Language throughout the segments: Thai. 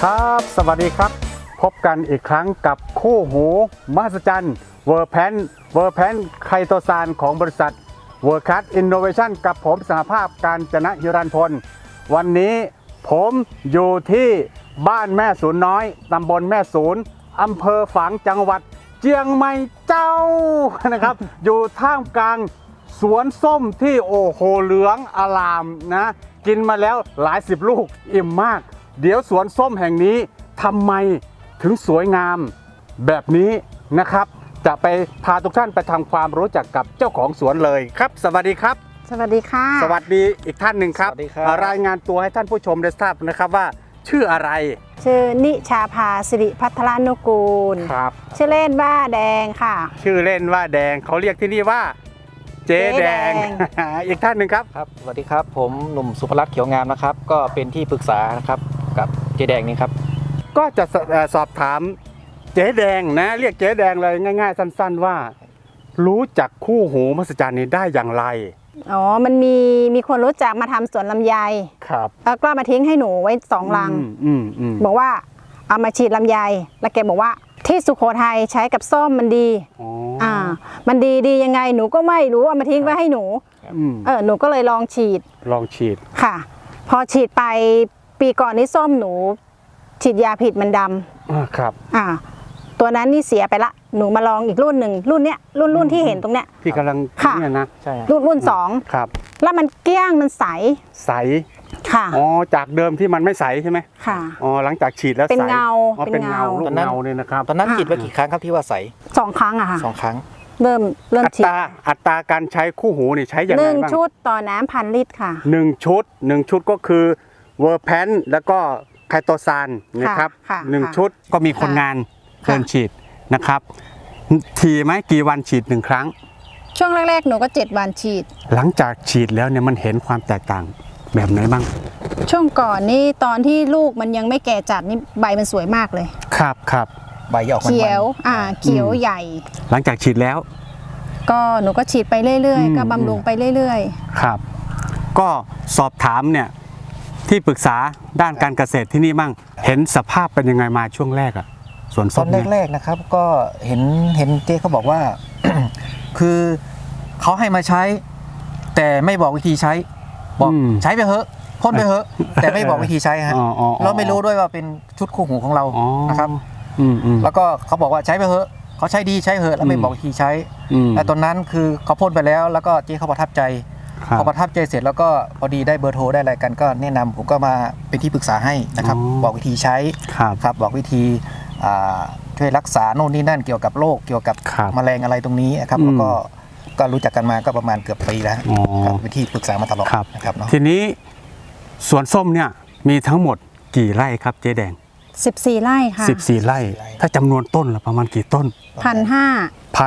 ครับสวัสดีครับพบกันอีกครั้งกับคู่หูมหัศจรรย์เวอร์แพนไคโตซานของบริษัทเวอร์คัสอินโนเวชันกับผมสหภาพการจนะฮิรันพลวันนี้ผมอยู่ที่บ้านแม่ศูนย์น้อยตำบลแม่ศูนย์อำเภอฝางจังหวัดเจียงใหม่เจ้านะครับ อยู่ท่ามกลางสวนส้มที่โอ้โหเหลืองอลามนะกินมาแล้วหลายสิบลูกอิ่มมากเดี๋ยวสวนส้มแห่งนี้ทำไมถึงสวยงามแบบนี้นะครับจะไปพาทุกท่านไปทำความรู้จักกับเจ้าของสวนเลยครับสวัสดีครับสวัสดีค่ะสวัสดีอีกท่านหนึ่งครับสวัสดีครับรายงานตัวให้ท่านผู้ชมได้ทราบนะครับว่าชื่ออะไรชื่อนิชาภาสิริพัทรานุกูลครับชื่อเล่นว่าแดงค่ะชื่อเล่นว่าแดงเขาเรียกที่นี่ว่าเจ๊แดง อีกท่านหนึ่งครับครับสวัสดีครับผมหนุ่มสุภรัตน์เขียวงามนะครับก็เป็นที่ปรึกษานะครับกับเจแดงนี่ครับก็จะสอบถามเจ๊แดงนะเรียกเจ๊แดงเลยง่ายๆสั้นๆว่า รู้จักคู่หูมหัศจรรย์นี้ได้อย่างไรอ๋อ มันมีคนรู้จักมาทำสวนลำไยครับแล้วก็มาทิ้งให้หนูไว้2 ลัง บอกว่าเอามาฉีดลำไย แล้วแกบอกว่าที่สุโขทัยใช้กับส้มมันดีอ๋อมันดียังไงหนูก็ไม่รู้เอามาทิ้งไว้ให้หนู หนูก็เลยลองฉีดลองฉีดค่ะ พอฉีดไปปีก่อนนี้ส้มหนู ฉีดยาผิดมันดำครับตัวนั้นนี่เสียไปละ หนูมาลองอีกรุ่นหนึ่งรุ่นเนี้ยรุ่นที่เห็นตรงเนี้ยที่กำลังค่ะเนี่ยนะใช่ครับรุ่นสองครับแล้วมันเกลี้ยงมันใสใสค่ะอ๋อจากเดิมที่มันไม่ใสใช่ไหมค่ะอ๋อหลังจากฉีดแล้วใสเป็นเงาอ๋อเป็เป็นนเงาเงาลูกเงาเนี่ยนะครับตอนนั้นฉีดไปกี่ครั้งครับที่ว่าใส 2 ครั้งอะค่ะ 2 ครั้งเริ่มอัฉีดตราการใช้คู่หูนี่ใช้อย่างไรหนึ่งบ้างชุดต่อน้ำ1,000 ลิตรค่ะหนึ่งชุดก็คือเวอร์แพนแล้วก็ไคโตซานนะครับค่ะหนึ่งค่ะชุดก็มีคนงานค่ะเดินฉีดนะครับทีไหมกี่วันฉีดหนึ่งครั้งช่วงแรกๆหนูก็7 วันฉีดหลังจากฉีดแล้วเนี่ยมันเห็นความแตกต่างแบบไหนบ้างช่วงก่อนนี่ตอนที่ลูกมันยังไม่แก่จัดนี่ใบมันสวยมากเลยครับใบจะออกมันๆเขียวเขียวใหญ่หลังจากฉีดแล้วก็หนูก็ฉีดไปเรื่อยอืมๆ ก็บำรุงไปเรื่อยครับ ก็สอบถามเนี่ยที่ปรึกษาด้านการเกษตรที่นี่มั่งเห็นสภาพเป็นยังไงมาช่วงแรกอะส่วนตส้อมนเนี่ยแรกๆนะครับก็เห็นเจ๊เขาบอกว่า คือเขาให้มาใช้ แต่ไม่บอกวิธีใช้บอกใช้ไปเถอะพ่นไปเถอะแต่ไม่บอกวิธีใช้ฮะอ๋อเราไม่รู้ด้วยว่าเป็นชุดคู่หูของเราอ๋อนะครับอืมแล้วก็เขาบอกว่าใช้ไปเถอะเขาใช้ดีใช้เถอะแล้วไม่บอกวิธีใช้มแต่ตอนนั้นคือเขาพ่นไปแล้วแล้วก็เจ๊เขาประทับใจครับพอประทับใจเสร็จแล้วก็พอดีได้เบอร์โทรได้อะไรกันก็แนะนำผมก็มาเป็นที่ปรึกษาให้นะครับอ๋อบอกวิธีใช้ครับครับบอกวิธีช่วยรักษาโน่นนี่นั่นเกี่ยวกับโรคเกี่ยวกับครับแมลงอะไรตรงนี้นะครับอืมแล้วก็รู้จักกันมาก็ประมาณเกือบปีแล้วอ๋อครับเป็นที่ปรึกษามาตลอดครับนะครับเนาะทีนี้สวนส้มเนี่ยมีทั้งหมดกี่ไร่ครับเจ๊แดงๆ 14 ไร่ค่ะ 14 ไร่ ถ้าจำนวนต้นละประมาณกี่ต้น 1,500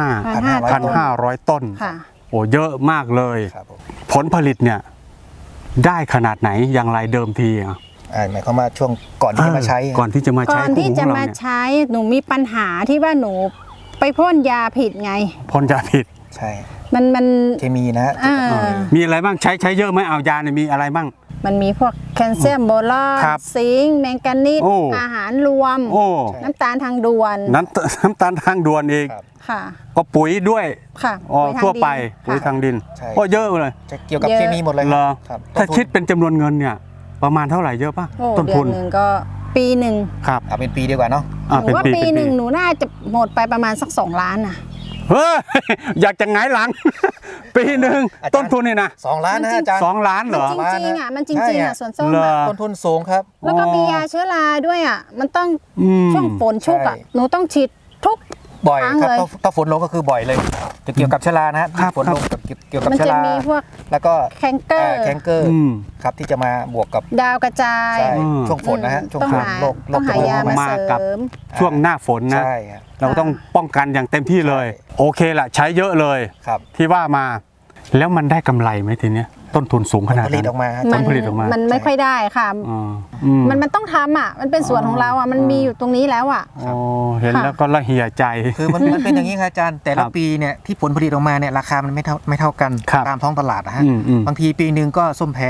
1,500 ต้นค่ะโอ้เยอะมากเลยครับผมผลผลิตเนี่ยได้ขนาดไหนอย่างไรเดิมทีอ่ะหมายความว่าช่วงก่อนที่จะมาใช้ก่อนที่จะมาก่ใช้อนคู่ที่หูขจะองเรามาเนี่ยใช้หนูมีปัญหาที่ว่าหนูไปพ่นยาผิดไงพ่นยาผิดใช่มันเคมีนะฮะมีอะไรบ้างใช้เยอะไหมเอายาเนี่ยมีอะไรบ้างมันมีพวกแคลเซียมโบรอนครับซิงค์แมงกานีสโอ้อาหารรวมโอ้น้ำตาลทางด่วนน้ำตาลทางด่วนอีกครับค่ะก็ปุ๋ยด้วยค่ะอ๋อปุ๋ยทางทั่วไปดินปุ๋ยค่ะทางดินใช่ก็เยอะเลยจะเกี่ยวกับเยอะเคมีหมดเลยเหรอครับถ้าต้นทุนคิดเป็นจำนวนเงินเนี่ยประมาณเท่าไหร่เยอะป่ะโอ้ต้นเดืทุอน นหนึ่งก็ปีหนึ่งครับเอาเป็นปีดีกว่าเนาะหนูว่าปีหนึ่งหนูน่าจะหมดไปประมาณสัก2 ล้านน่ะเฮ้ย อยากจะหงายหลัง ปีหนึ่งอาจารย์ต้นทุนนี่นะ 2 ล้านนะอาจารย์ 2 ล้านเหรอมันจริงๆอ่ะมันจริงๆอ่ะสวนส้มเหรออ่ะต้นทุนสูงครับแล้วก็มียาเชื้อราด้วยอ่ะมันต้องอืมช่วงฝนชุกอ่ะใช่หนูต้องฉีดทุกบ่อยครั้งครับเลยถ้าฝนลงก็คือบ่อยเลย จะเกี่ยวกับเชื้อรานะฮะครับฝนลงกับเกี่ยวกับมันเชื้อจะรามีพวกแล้วก็แคนเกอร์แคนเกอร์อืมครับที่จะมาบวกกับดาวกระจายใช่อืมช่วงฝนนะฮะช่วงต้องฝนหาโรคต้องหายามามาเสกับริมช่วงหน้าฝนนะใช่ฮะเราต้องป้องกันอย่างเต็มที่เลยใช่โอเคละใช้เยอะเลยครับที่ว่ามา แล้วมันได้กำไรไหมทีเนี้ยต้นทุนสูงขนาดผลินั้ตนออกมาฮะผลผลิตออกมามันไม่ค่อยได้ค่ะอ๋ออืมมันต้องทำอ่ะมันเป็นส่วนของเราอ่ะมันมีอยู่ตรงนี้แล้วอ่ะโอ้เห็นค่ะแล้วก็ละเหี่ยใจคือมันเป็นอย่างนี้ครับอาจารย์แต่ครัละบปีเนี่ยที่ผลผลิตออกมาเนี่ยราคามันไม่เท่ากันครับตามท้องตลาดนะฮะอืมบางทีปีหนึ่งก็ส้มแพง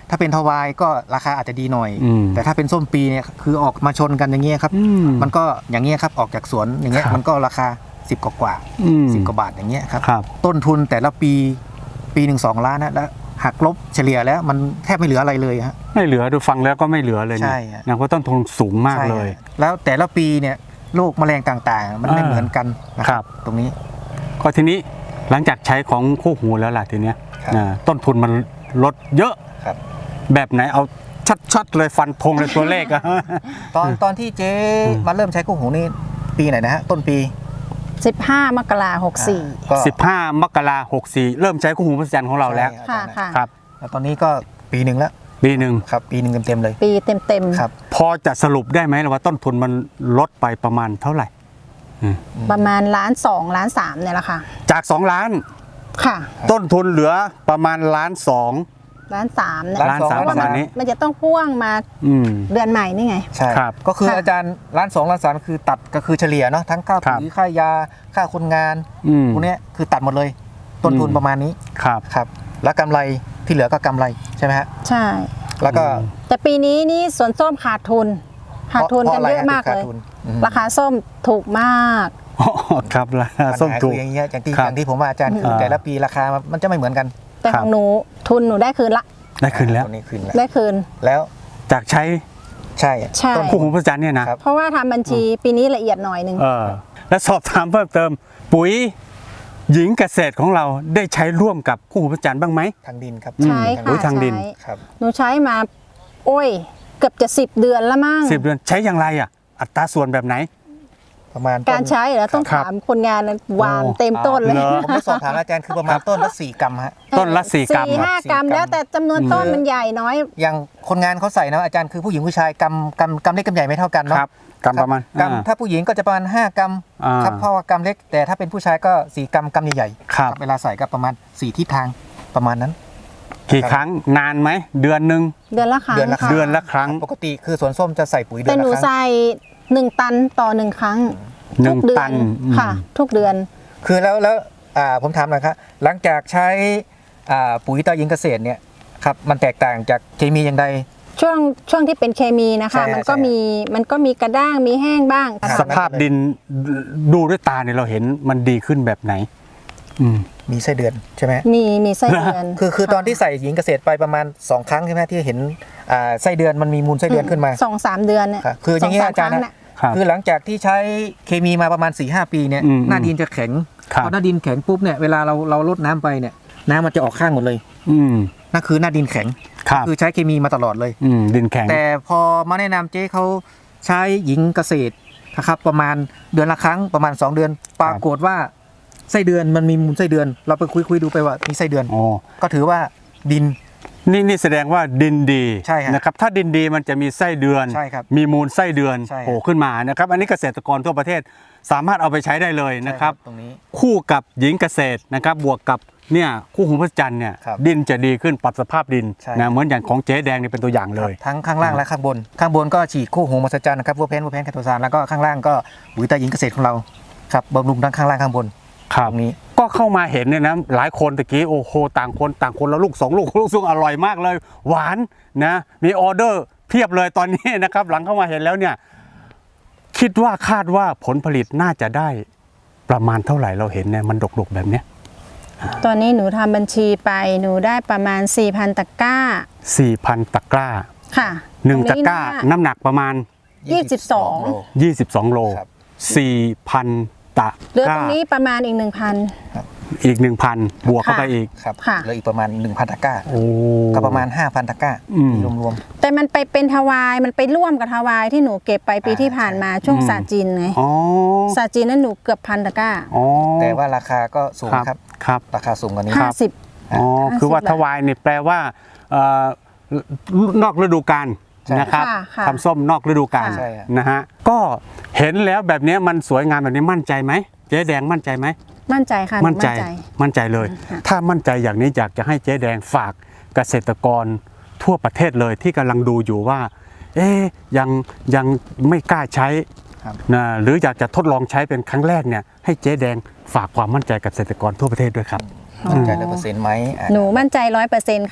ถ้าเป็นทวายก็ราคาอาจจะดีหน่อยอืมแต่ถ้าเป็นส้มปีเนี่ยคือออกมาชนกันอย่างเงี้ยครับอืมมันก็อย่างเงี้ยครับออกจากสวนอย่างเงี้ยครับมันก็ราคา10กว่าอืม 10 กว่าบาทอย่างเงี้ยครับครับต้นทุนแต่ละปีหนึ่ง2 ล้านนะแล้วหักลบเฉลี่ยแล้วมันแทบไม่เหลืออะไรเลยฮะไม่เหลือดูฟังแล้วก็ไม่เหลือเลยใช่เนี่ยฮะนะเพราะต้นทุนสูงมากใช่เลยฮะแล้วแต่ละปีเนี่ยโรคแมลงต่างๆ มันไม่อ่าเหมือนกันนะคครัรับ บตรงนี้ก็ทีนี้หลังจากใช้ของคู่หูแล้วล่ะทีเนี้ยครับต้นทุนมันลดเยอะครับแบบไหนเอาชัดๆเลยฟันธงเลยตัวเลขอะตอนที่เจ๊มาเริ่มใช้คู่หูนี่ปีไหนนะฮะต้นปี 15 มกราคม 64 ก็ 15 มกราคม 64 เริ่มใช้คู่หูมหัศจรรย์ของเราแล้วใช่ค่ะอาจารย์ค่ะครับแล้วตอนนี้ก็ปีหนึ่งแล้วปีหนึ่งครับปีหนึ่งเต็มๆเลยปีเต็มครับพอจะสรุปได้ไหมว่าต้นทุนมันลดไปประมาณเท่าไหร่ๆ ประมาณ1.2 ล้าน3เนี่ยแหละค่ะจาก 2 ล้านค่ะต้นทุนเหลือประมาณ1.2 ล้าน 1.3 เนี่ยล้านสามเพราะว่าประมาณนี้มันจะต้องพ่วงมาอืมเดือนใหม่นี่ไงใช่ครับก็คือค่ะอาจารย์1.2 ล้านคือตัดก็คือเฉลี่ยเนาะทั้งค่าครับปุ๋ยค่ายาค่าคนงานอืมพวกเนี้ยคือตัดหมดเลย ต้นทุนอืมประมาณนี้ครับครับแล้วกำไรที่เหลือก็กำไรใช่ไหมฮะใช่แล้วก็แต่ปีนี้นี่สวนส้มขาดทุน ขาดทุนกันเยอะมากพรเลยไรฮะถึงขดทุนอืมราคาส้มถูกมากอ๋อครับราคาปัญส้มหาถูคืกออย่างเงี้ยอย่างที่ครับอย่างที่ผมว่าอาจารย์คืออ่าแต่ละปีราคามันจะไม่เหมือนกันแต่ครัขบองหนูทุนหนูได้คืนละได้คืนแล้วตัวนี้คืนแล้วได้คืนแล้วจากใช้ใช่ใช่ต้นคู่หูมหัศจรรย์เนี่ยนะครับเพราะว่าทำบัญชีปีนี้ละเอียดหน่อยหนึงและสอบถามเพิ่มเติม ปุ๋ยหญิงเกษตรของเราได้ใช้ร่วมกับคู่หูมหัศจรรย์บ้างไหมทางดินครับใช้ปุ๋ค่ะยทางดินใช้ครับหนูใช้มา โอ้ย เกือบจะ10 เดือนแล้วมั้ง 10 เดือนใช้อย่างไรอ่ะ อัตราส่วนแบบไหนประมาณการใช้เหรอต้องครับถามคนงานวางโอ้เต็มต้นเลยเหรอผมได้สอบถามอาจารย์คือประมาณต้นละ4 กรัมฮะต้นละ4 กรัม 4-5 กรัม 4 แล้วแต่จำนวนต้นมันใหญ่น้อยอย่างคนงานเขาใส่นะอาจารย์คือผู้หญิงผู้ชายกำเล็กกำใหญ่ไม่เท่ากันเนาะครับกรัมประมาณกำถ้าผู้หญิงก็จะประมาณ5 กรัมอ่าครับเพราะว่ากำเล็กแต่ถ้าเป็นผู้ชายก็4 กรัมกำใหญ่ๆครับเวลาใส่ก็ประมาณ4 ทิศทางประมาณนั้นกี่ครั้งนานไหมเดือนหนึ่งเดือนละครั้งเดือนละครั้งค่ะเดือนละครั้งปกติคือสวนส้มจะใส่ปุ๋ยเดืแต่อนหนูละครั้งใส่1 ตันต่อ 1 ครั้งหนึ่ทุงกเดือตันนอืมค่ะ ทุกเดือนคือแล้วผมถามหน่อยครับหลังจากใช้ปุ๋ยตายิงเกษตรเนี่ยครับมันแตกต่างจากเคมีอย่างใดช่วงที่เป็นเคมีนะคะใช่มันก็ใช่มีกระด้างมีแห้งบ้างครับสภาพดินดูด้วยตาเนี่ยเราเห็นมันดีขึ้นแบบไหน อืมมีไส้เดือนใช่ไหมมีไส้เดือนคือตอนที่ใส่หญิงเกษตรไปประมาณ2 ครั้งใช่ไหมที่เห็นไส้เดือนมันมีมูลไส้เดือนขึ้นมา 2-3 เดือนเนี่ยครับคืออย่างนี้สอาจารย์คงนะน่ะครับคือหลังจากที่ใช้เคมีมาประมาณ 4-5 ปีเนี่ยอืมหน้าดินจะแข็งครับพอหน้าดินแข็งปุ๊บเนี่ยเวลาเราลดน้ำไปเนี่ยน้ำมันจะออกข้างหมดเลยอืมนั่นคือหน้าดินแข็งครับคือใช้เคมีมาตลอดเลยดินแข็งแต่พอมาแนะนำเจ๊เขาใช้หญิงเกษตรนะครับประมาณเดือนละครั้งประมาณ 2 เดือน ปรากฏว่าไส้เดือนมันมีมูลไส้เดือน เราไปคุยดูไปว่ามีไส้เดือนอ๋อก็ถือว่าดินนี่แสดงว่าดินดีใช่ครับนะครับถ้าดินดีมันจะมีไส้เดือนใช่ครับมีมูลไส้เดือนใช่ครับโผล่ขึ้นมานะครับอันนี้เกษตรกรทั่วประเทศสามารถเอาไปใช้ได้เลยนะครับตรงนี้คู่กับหญิงเกษตรนะครับบวกกับเนี่ยคู่หูพระจันทร์เนี่ยครับดินจะดีขึ้นปรับสภาพดินใช่นะเหมือนอย่างของเจ๊แดงนี่เป็นตัวอย่างเลยทั้งข้างล่างและข้างบน ข้างบนก็ฉีดคู่หูมหัศจรรย์นะครับวัวแพนแคทโทซานแล้วก็ข้างล่างก็ปุ๋ยตาหญิงเกษตรของเราครับบำรุงทั้งข้างล่างข้างบนครับตรงนี้ก็เข้ามาเห็นเนี่ยนะหลายคนตะกี้โอ้โหต่างคนละลูก2 ลูกซึ่งอร่อยมากเลย หวานนะมีออเดอร์เพียบเลยตอนนี้นะครับหลังเข้ามาเห็นแล้วเนี่ยคิดว่าคาดว่าผลผลิตน่าจะได้ประมาณเท่าไหร่เราเห็นเนี่ยมันดกๆแบบเนี้ยตอนนี้หนูทำบัญชีไปหนูได้ประมาณ 4,000 ตะกร้า 4,000 ตะกร้าค่ะ 1 ตะกร้าน้ำหนักประมาณ 22 โล 22 โลครับ 4,000 ตะเหลือก ตรร้างนี้ประมาณอีกอีก 1,000 บวกเข้าไปอีกครับค่ะเหลืออีกประมาณ 1,000 ตะกร้าโอ้ก็ประมาณ 5,000 ตะกร้าอืมรวม 1,000 แต่มันไปเป็นทวายมันไปร่วมกับทวายที่หนูเก็บไปปีที่ผ่านมาช่วงศาสตร์จีนไงอ๋อศาสตร์จีนนั้นหนูเกือบ1,000 ตะกร้าอ๋อๆ แต่ว่าราคาก็สูงครับครับครับราคาสูงกว่านี้ 50 อ๋อ 50 คือว่าบาททวายเนี่ยแปลว่านอกฤดูกาลใช่นะครับค่ะทำส้มนอกฤดูกาลใช่ครับนะฮะก็เห็นแล้วแบบนี้มันสวยงามแบบนี้มั่นใจไหมเจ๊แดงมั่นใจไหมมั่นใจค่ะหนูมั่นใจเลยค่ะถ้ามั่นใจอย่างนี้อยากจะให้เจ๊แดงฝากเกษตรกรทั่วประเทศเลยที่กำลังดูอยู่ว่า ยังไม่กล้าใช้ครับนะหรืออยากจะทดลองใช้เป็นครั้งแรกเนี่ยให้เจ๊แดงฝากความมั่นใจกับเกษตรกรทั่วประเทศด้วยครับมั่นใจ100%ไหมหนูมั่นใจ 100%ค่ะ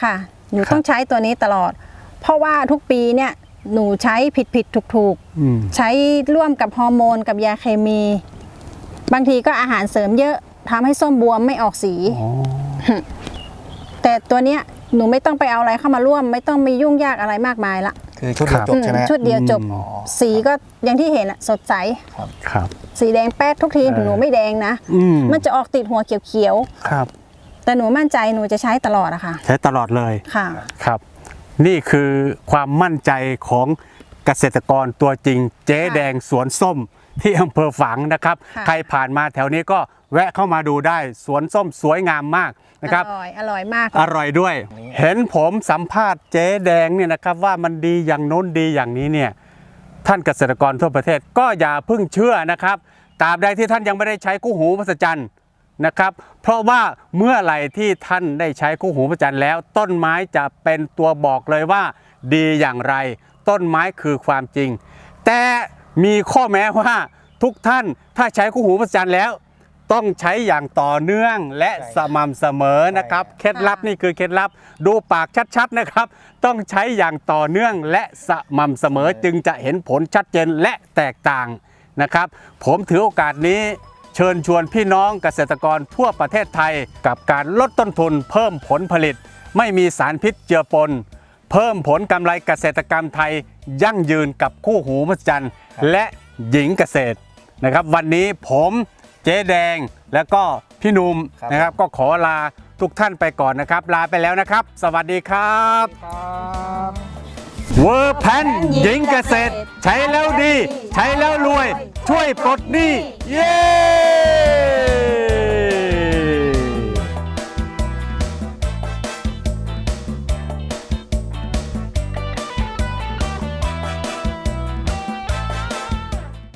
หนูครับต้องใช้ตัวนี้ตลอด เพราะว่าทุกปีเนี่ยหนูใช้ผิดถูกอืมใช้ร่วมกับฮอร์โมนกับยาเคมี บางทีก็อาหารเสริมเยอะทำให้ส้มบวมไม่ออกสีอ๋อแต่ตัวเนี้ยหนูไม่ต้องไปเอาอะไรเข้ามาร่วม ไม่ต้องมียุ่งยากอะไรมากมายละคือชุดเดียวจบใช่ไหมชุดเดียวจบอ๋อสีก็อย่างที่เห็นอะสดใสครับสีแดงแป๊ดทุกทีหนูไม่แดงนะอืมมันจะออกติดหัวเขียวครับๆแต่หนูมั่นใจหนูจะใช้ตลอดอะค่ะใช้ตลอดเลยค่ะครับ นี่คือความมั่นใจของเกษตรกรตัวจริง เจ๊แดงสวนส้มที่อำเภอฝางนะครับค่ะใครผ่านมาแถวนี้ก็แวะเข้ามาดูได้สวนส้มสวยงามมากนะครับอร่อยมากอร่อยด้วย เห็นผมสัมภาษณ์เจ๊แดงเนี่ยนะครับว่ามันดีอย่างโน้นดีอย่างนี้เนี่ยท่านเกษตรกรทั่วประเทศก็อย่าเพิ่งเชื่อนะครับตราบใดที่ท่านยังไม่ได้ใช้คู่หูมหัศจรรย์นะครับ เพราะว่าเมื่อไหร่ที่ท่านได้ใช้คู่หูมหัศจรรย์แล้ว ต้นไม้จะเป็นตัวบอกเลยว่าดีอย่างไร ต้นไม้คือความจริง แต่มีข้อแม้ว่าทุกท่านถ้าใช้คู่หูมหัศจรรย์แล้ว ต้องใช้อย่างต่อเนื่องและสม่ำเสมอนะครับเคล็ดลับนี่คือเคล็ดลับดูปากชัดๆนะครับ ต้องใช้อย่างต่อเนื่องและสม่ำเสมอจึงจะเห็นผลชัดเจนและแตกต่างนะครับ ผมถือโอกาสนี้เชิญชวนพี่น้องเกษตรกรทั่วประเทศไทยกับการลดต้นทุนเพิ่มผลผลิต ไม่มีสารพิษเจือปน เพิ่มผลกำไรเกษตรกรรมไทยยั่งยืนกับคู่หูมหัศจรรย์และหญิงเกษตรนะครับ วันนี้ผมเจ๊แดงแล้วก็พี่หนุ่มครับนะครับก็ขอลาทุกท่านไปก่อนนะครับ ลาไปแล้วนะครับ สวัสดีครับเวอร์แพนหญิงเกษตร ใช้แล้วดี ใช้แล้วรวย ช่วยปลดหนี้เย้